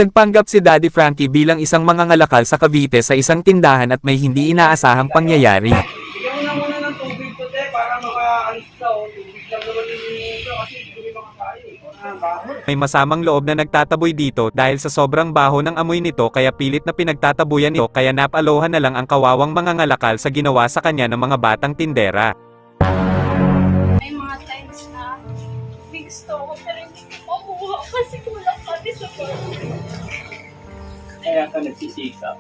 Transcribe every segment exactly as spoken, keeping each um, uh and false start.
Nagpanggap si Daddy Frankie bilang isang mangangalakal sa Cavite sa isang tindahan at may hindi inaasahang pangyayari. Bigyan mo na muna ng tubig ko, te, para maka-alis ka, o. Tubig lang naman yung ito, kasi hindi ko makakain. Ah, baho. May masamang loob na nagtataboy dito dahil sa sobrang baho ng amoy nito kaya pilit na pinagtatabuyan ito kaya napalohan na lang ang kawawang mangangalakal sa ginawa sa kanya ng mga batang tindera. May mga times na may gusto ko pero hindi ko makuha kasi kulang pati sa bahay. Kaya ka nagsisikap.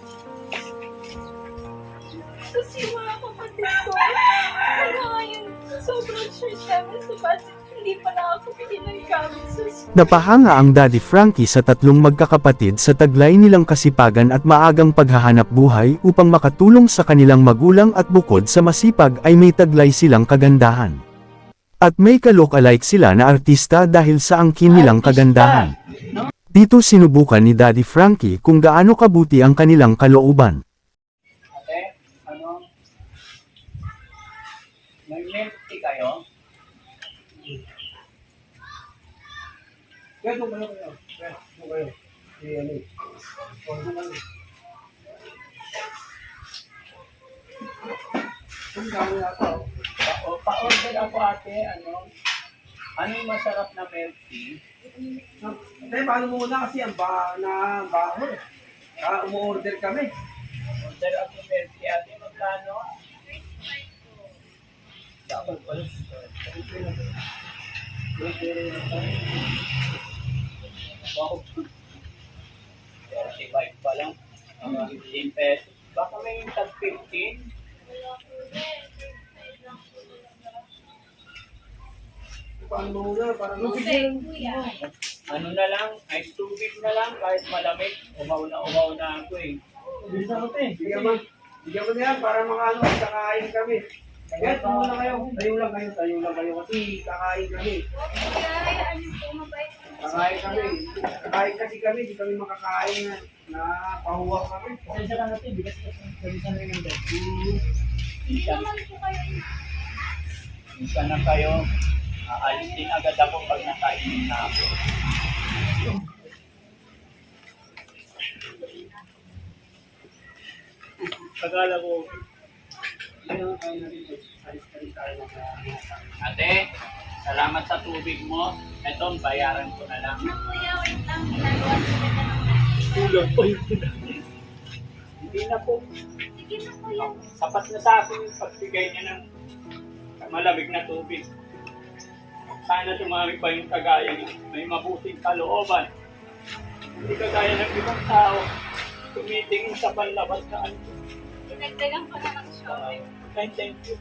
Kasi mga kapatid ko, kaya ngayon sobrang short namin sa budget, hindi pa na ako pinagamit sa school. Napahanga ang Daddy Frankie sa tatlong magkakapatid sa taglay nilang kasipagan at maagang paghahanap buhay upang makatulong sa kanilang magulang at bukod sa masipag ay may taglay silang kagandahan. At may ka-look-alike sila na artista dahil sa angkin nilang kagandahan. Dito sinubukan ni Daddy Frankie kung gaano kabuti ang kanilang kalooban. Ate, ano? May milk tea kayo? Kaya doon kayo kayo. Kaya doon kayo. Eh, ano eh. O, doon kayo. Ang dami na ito. Pa- Pa-order ako, ate, ano? Ano yung masarap na milk tea? Hindi, paano muna kasi ang ba na baho eh. Ah, umu-order kami. Order ako milk tea, ate, magkano? Dapat pala. Wow. thirty-five pa lang. Mga fifteen pesos. Baka may tag fifteen. Paano muna? Parang Tubig, kuya. ano na lang, ice tubig na lang, kahit malamig. Umaw na umaw na ako eh. Bisa ko eh. Bigyan mo, bigyan mo na yan para mga ano, kakain kami. Kaya tumo na kayo. Tayo lang kayo, tayo lang kayo kasi kakain kami. Kuya, hayaan niyo po, mabait po. Kakain kami. Kakain kasi kami, di kami makakain na, na pahuwak kami. Pasensya lang natin, bigas kasi nabisan na yung dad. Hindi naman po kayo. Minsan na kayo, aalis din agad ako pag nakainin na ako. Pagkala ko, ate, salamat sa tubig mo. Ito, bayaran ko na lang. Ano kuya, wait lang. Ginagawa ko kita ng Kulang pa yun. Hindi na po. sige na kuya. Sapat na sa akin yung pagbigay niya ng malamig na tubig. Sana tumami pa yung kagaya niya. May mabuting kalooban. Hindi kagaya ng ibang tao. Tumitingin sa panlabas na ano. Dinagdagan ko na ng shopping. Thank, thank you.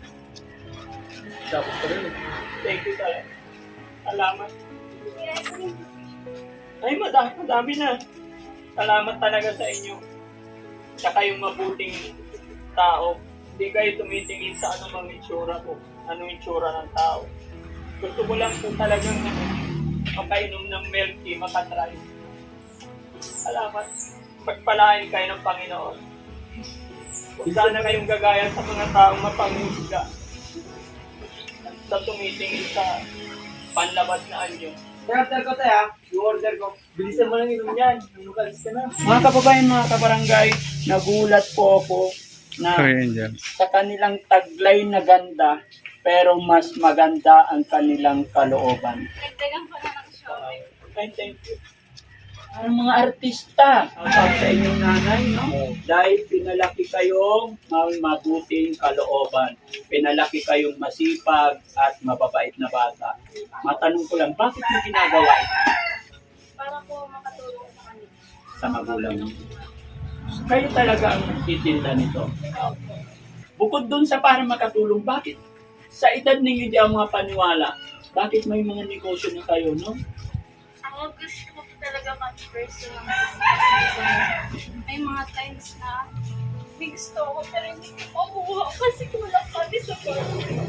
Dapat pa rin. Thank you talaga. Salamat. Kuya, ito yung Ay, madami, madami na. Salamat talaga sa inyo. Sa kayong mabuting tao. Hindi kayo tumitingin sa anumang itsura ko. Anong itsura ng tao. Gusto ko lang po talagang makainom ng milk tea, makatry. Salamat. Pagpalain kayo ng Panginoon. Huwag sana kayong gagaya sa mga taong mapanghusga. Sa tumitingin sa panlabas na anyo. Order ko tayo, yung order ko. Bilisan mo lang inom yan. Nukalis ka na. Mga kababayan, mga kabarangay, nagulat po ako na sa kanilang taglay na ganda, pero mas maganda ang kanilang kalooban. dinagdagan ko na ng shopping. Thank thank you. Ang mga artista, ang sa inyong nanay, no? Dahil pinalaki kayong may mabuting kalooban. Pinalaki kayong masipag at mababait na bata. Matanong ko lang, bakit mo ginagawa ito Para po makatulong sa kanila. sa magulang mo? Kayo talaga ang nagtitinda nito. Bukod dun sa para makatulong, bakit sa edad ninyo di ang mga paniwala, bakit may mga negosyo na kayo, no? Ako gusto ko po talaga mag-first ng business. May mga times na may gusto ko pero hindi ko makuha kasi kulang pati sa bahay.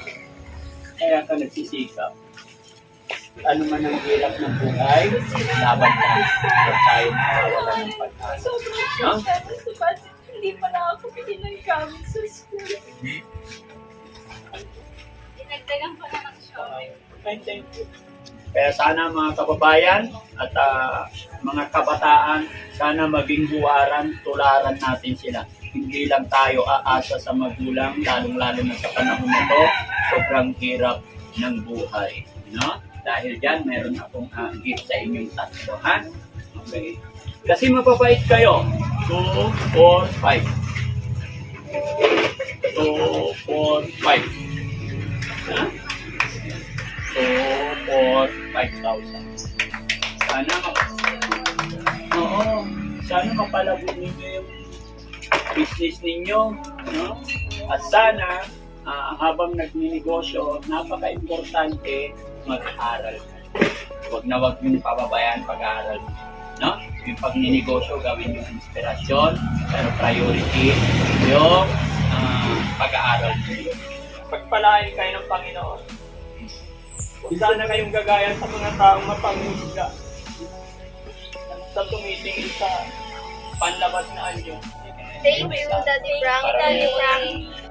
Kaya ka nagsisikap. Ano man ang hirap ng buhay, laban lang. Huwag tayo makawala ng pag-asa. Sobrang No? short namin sa budget, hindi pa na ako pinagamit sa school. Dinagdagan ko na ng shopping. Thank thank you. Kaya sana mga kababayan at ah, mga kabataan, sana maging buwaran, tularan natin sila. Hindi lang tayo aasa sa magulang, lalong-lalo na sa panahon na to, sobrang hirap ng buhay. No? Dahil dyan, meron akong uh, gift sa inyong tatlo, ha? Okay. Kasi mapapait kayo. two, four, five. two, four, five. Ha? two, four, five thousand. Sana Oo, sana mapalago ninyo yung business ninyo, no? At sana, ah, habang nagninegosyo, napaka-importante mag-aaral. Huwag na huwag yung pababayaan pag-aaral, no? Yung pagninegosyo, gawin yung inspirasyon, pero priority yung ah, pag-aaral ninyo. Pagpalain kayo ng Panginoon. Huwag sana kayong gagaya sa mga taong mapangusga sa tumitingin sa panlabas na anyo. Thank you, Daddy Frank. Daddy Frank.